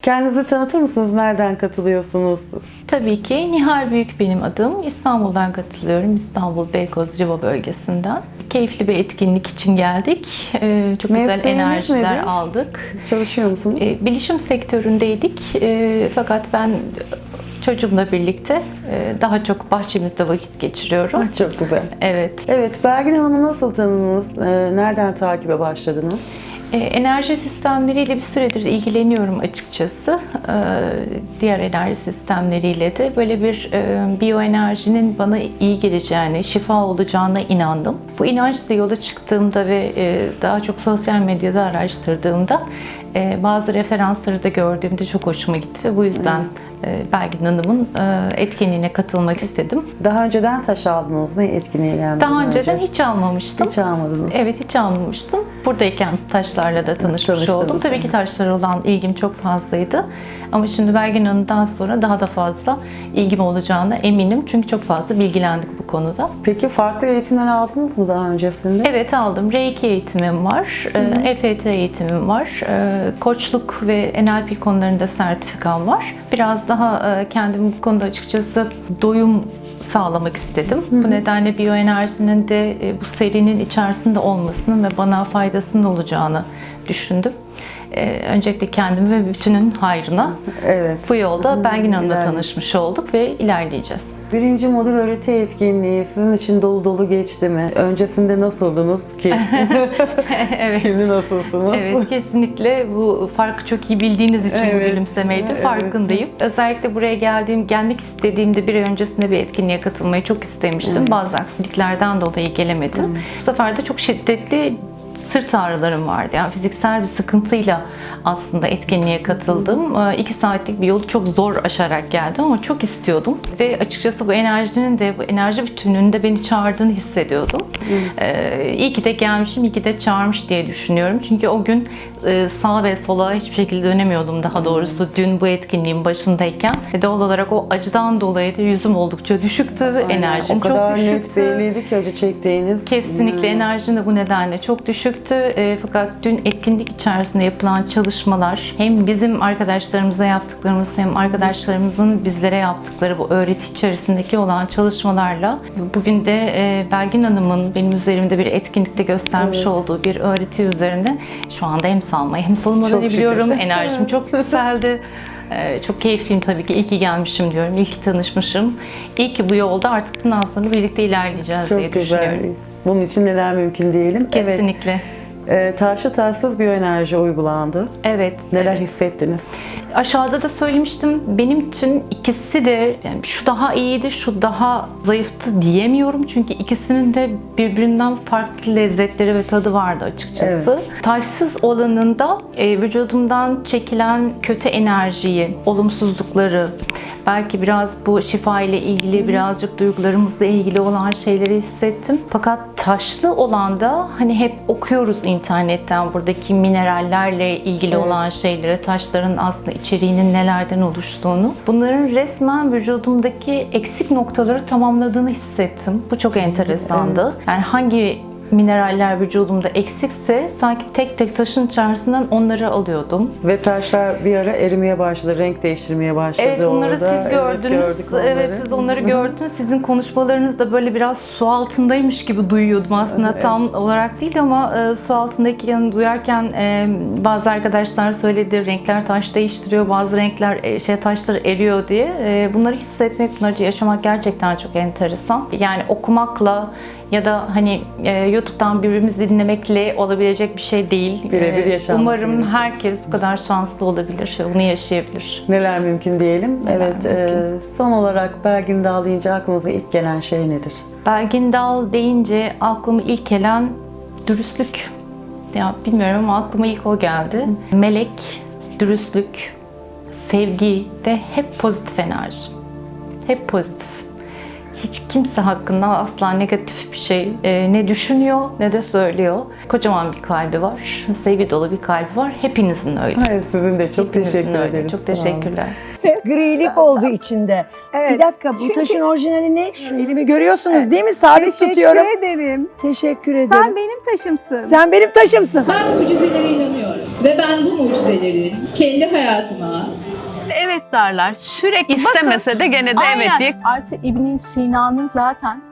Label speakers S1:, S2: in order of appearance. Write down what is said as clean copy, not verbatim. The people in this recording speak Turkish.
S1: Kendinizi tanıtır mısınız? Nereden katılıyorsunuz?
S2: Tabii ki Nihal Büyük benim adım. İstanbul'dan katılıyorum. İstanbul Beykoz Riva bölgesinden. Keyifli bir etkinlik için geldik. Çok güzel
S1: Mesleğiniz
S2: enerjiler
S1: nedir?
S2: aldık.
S1: Çalışıyor musunuz?
S2: Bilişim sektöründeydik. Fakat ben çocuğumla birlikte daha çok bahçemizde vakit geçiriyorum.
S1: Çok güzel.
S2: Evet.
S1: Evet, Belgin Hanım'ı nasıl tanıdınız? Nereden takibe başladınız?
S2: Enerji sistemleriyle bir süredir ilgileniyorum açıkçası. Diğer enerji sistemleriyle de böyle bir biyoenerjinin bana iyi geleceğine, şifa olacağına inandım. Bu inançla yola çıktığımda ve daha çok sosyal medyada araştırdığımda bazı referansları da gördüğümde çok hoşuma gitti ve bu yüzden Belgin Hanım'ın etkinliğine katılmak istedim.
S1: Daha önceden taş aldınız mı etkinliğe gelmeden
S2: Daha önceden hiç almamıştım.
S1: Hiç almadınız.
S2: Evet, hiç almamıştım. Buradayken taşlarla da tanışmış oldum. Tabii ki taşlara olan ilgim çok fazlaydı. Ama şimdi Belgin Hanım'dan sonra daha da fazla ilgim olacağına eminim. Çünkü çok fazla bilgilendik bu konuda.
S1: Peki farklı eğitimler aldınız mı daha öncesinde?
S2: Evet, aldım. Reiki eğitimim var. EFT eğitimim var. Koçluk ve NLP konularında sertifikam var. Biraz daha kendimi bu konuda açıkçası doyum sağlamak istedim. Bu nedenle biyoenerjinin de bu serinin içerisinde olmasının ve bana faydasının olacağını düşündüm. Öncelikle kendim ve bütünün hayrına bu yolda Belgin Hanım'la tanışmış olduk ve ilerleyeceğiz.
S1: Birinci modül öğreti etkinliği sizin için dolu dolu geçti mi? Öncesinde nasıldınız ki?
S2: Evet.
S1: Şimdi nasılsınız?
S2: Evet, kesinlikle bu farkı çok iyi bildiğiniz için bu gülümsemeydi. Farkındayım. Özellikle buraya gelmek istediğimde bir ay öncesinde bir etkinliğe katılmayı çok istemiştim. Bazı aksiliklerden dolayı gelemedim. Bu sefer de çok şiddetli sırt ağrılarım vardı. Yani fiziksel bir sıkıntıyla aslında etkinliğe katıldım. 2 saatlik bir yolu çok zor aşarak geldim ama çok istiyordum. Ve açıkçası bu enerjinin de, bu enerji bütünlüğünün de beni çağırdığını hissediyordum. İyi ki de gelmişim, iyi ki de çağırmış diye düşünüyorum. Çünkü o gün sağa ve sola hiçbir şekilde dönemiyordum daha doğrusu dün bu etkinliğin başındayken. Ve doğal olarak o acıdan dolayı da yüzüm oldukça düşüktü. Enerjim çok düşüktü. O kadar net
S1: belliydi ki acı çektiğiniz.
S2: Kesinlikle enerjim de bu nedenle çok düşüktü. Fakat dün etkinlik içerisinde yapılan çalışmalar hem bizim arkadaşlarımıza yaptıklarımız hem arkadaşlarımızın bizlere yaptıkları bu öğreti içerisindeki olan çalışmalarla bugün de Belgin Hanım'ın benim üzerimde bir etkinlikte göstermiş olduğu bir öğreti üzerine şu anda hem salmayı hem solumaları biliyorum. Enerjim çok yükseldi. Çok keyifliyim tabii ki. İyi ki gelmişim diyorum. İyi ki tanışmışım. İyi ki bu yolda artık bundan sonra birlikte ilerleyeceğiz diye düşünüyorum.
S1: Bunun için neler mümkün diyelim.
S2: Kesinlikle.
S1: Taşlı taşsız biyoenerji uygulandı.
S2: Evet.
S1: Neler hissettiniz?
S2: Aşağıda da söylemiştim. Benim için ikisi de yani şu daha iyiydi, şu daha zayıftı diyemiyorum. Çünkü ikisinin de birbirinden farklı lezzetleri ve tadı vardı açıkçası. Taşsız olanında vücudumdan çekilen kötü enerjiyi, olumsuzlukları, belki biraz bu şifa ile ilgili birazcık duygularımızla ilgili olan şeyleri hissettim. Fakat taşlı olan da hani hep okuyoruz internetten buradaki minerallerle ilgili olan şeyleri, taşların aslında içeriğinin nelerden oluştuğunu. Bunların resmen vücudumdaki eksik noktaları tamamladığını hissettim. Bu çok enteresandı. Yani hangi mineraller vücudumda eksikse sanki tek tek taşın içerisinden onları alıyordum.
S1: Ve taşlar bir ara erimeye başladı, renk değiştirmeye başladı.
S2: Evet, onları
S1: orada.
S2: siz gördünüz. Evet, siz onları gördünüz. Sizin konuşmalarınız da böyle biraz su altındaymış gibi duyuyordum aslında. Tam olarak değil ama su altındaki duyarken bazı arkadaşlar söyledi, renkler taş değiştiriyor, bazı renkler taşlar eriyor diye. Bunları hissetmek, bunları yaşamak gerçekten çok enteresan. Yani okumakla ya da hani YouTube'dan birbirimizi dinlemekle olabilecek bir şey değil.
S1: Birebir yaşanması.
S2: Umarım herkes bu kadar şanslı olabilir ve bunu yaşayabilir.
S1: Neler mümkün diyelim. Son olarak Belgin Dal deyince aklınıza ilk gelen şey nedir?
S2: Belgin Dal deyince aklıma ilk gelen dürüstlük. Ya bilmiyorum ama aklıma ilk o geldi. Melek, dürüstlük, sevgi ve hep pozitif enerji. Hep pozitif. Hiç kimse hakkında asla negatif bir şey ne düşünüyor ne de söylüyor. Kocaman bir kalbi var, sevgi dolu bir kalbi var. Hepinizin öyle.
S1: Hayır, sizin de çok
S2: Hepinizin
S1: teşekkür
S2: öyle.
S1: ederiz.
S2: Çok teşekkürler.
S3: Grilik oldu içinde.
S4: Evet.
S3: Bir dakika, bu taşın orijinali ne? Şu elimi görüyorsunuz değil mi? Sabit tutuyorum.
S4: Teşekkür ederim.
S3: Teşekkür ederim.
S4: Sen benim taşımsın.
S3: Sen benim taşımsın.
S5: Ben mucizelere inanıyorum.
S4: Ve ben bu mucizeleri kendi hayatıma
S5: Evet derler. Sürekli
S6: İstemese de gene de evet
S5: Aynen.
S6: diye.
S5: Artı İbn Sina'nın zaten